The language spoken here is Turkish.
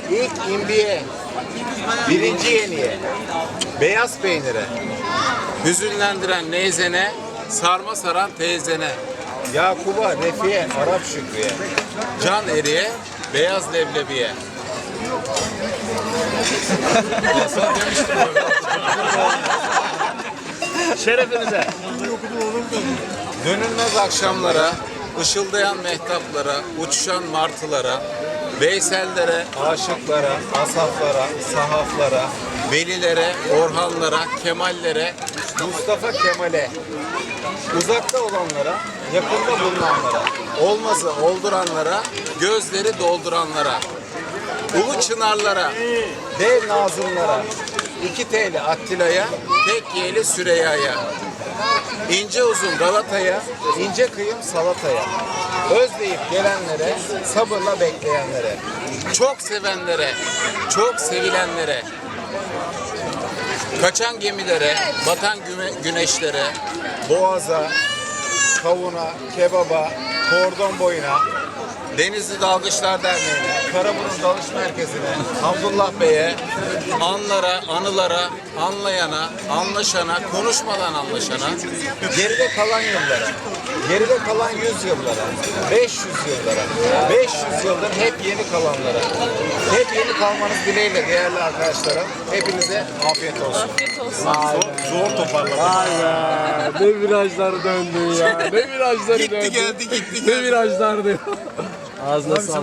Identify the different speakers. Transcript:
Speaker 1: İlk imbiye, birinci yeniye, beyaz peynire, hüzünlendiren neyzene, sarma saran teyzene, Yakuba, Refiye, Arap Şükrü'ye, can eriye, beyaz leblebiye. Hasan demiştim öyle.
Speaker 2: Şerefinize.
Speaker 1: Dönülmez akşamlara, ışıldayan mehtaplara, uçuşan martılara, Veysellere, aşıklara, asaflara, sahaflara, velilere, orhanlara, kemallere, Mustafa Kemal'e, uzakta olanlara, yakında bulunanlara, olmazı olduranlara, gözleri dolduranlara, ulu çınarlara, dev nazımlara, 2 T'li Attila'ya, tek Y'li Süreyya'ya, ince uzun Galata'ya, ince kıyım salataya, özleyip gelenlere, sabırla bekleyenlere, çok sevenlere, çok sevilenlere, kaçan gemilere, batan güneşlere, boğaza, kavuna, kebaba, kordon boyuna, Denizli Dalgıçlar Derneği'ne, Karaburun Dalış Merkezi'ne, Abdullah Bey'e, anlara, anılara, anlayana, anlaşana, konuşmadan anlaşana, geride kalan yıllara, geride kalan 100 yıllara, 500 yıllara, 500 yıldır hep yeni kalanlara, hep yeni kalmanız dileğiyle değerli arkadaşlarım. Hepinize afiyet olsun.
Speaker 3: Afiyet olsun.
Speaker 1: Zor toparladım.
Speaker 2: Vay be. Ne virajlar döndü ya. Ne virajları döndü.
Speaker 1: Gitti geldi.
Speaker 2: Ne virajlardı. Ağzına sağlık.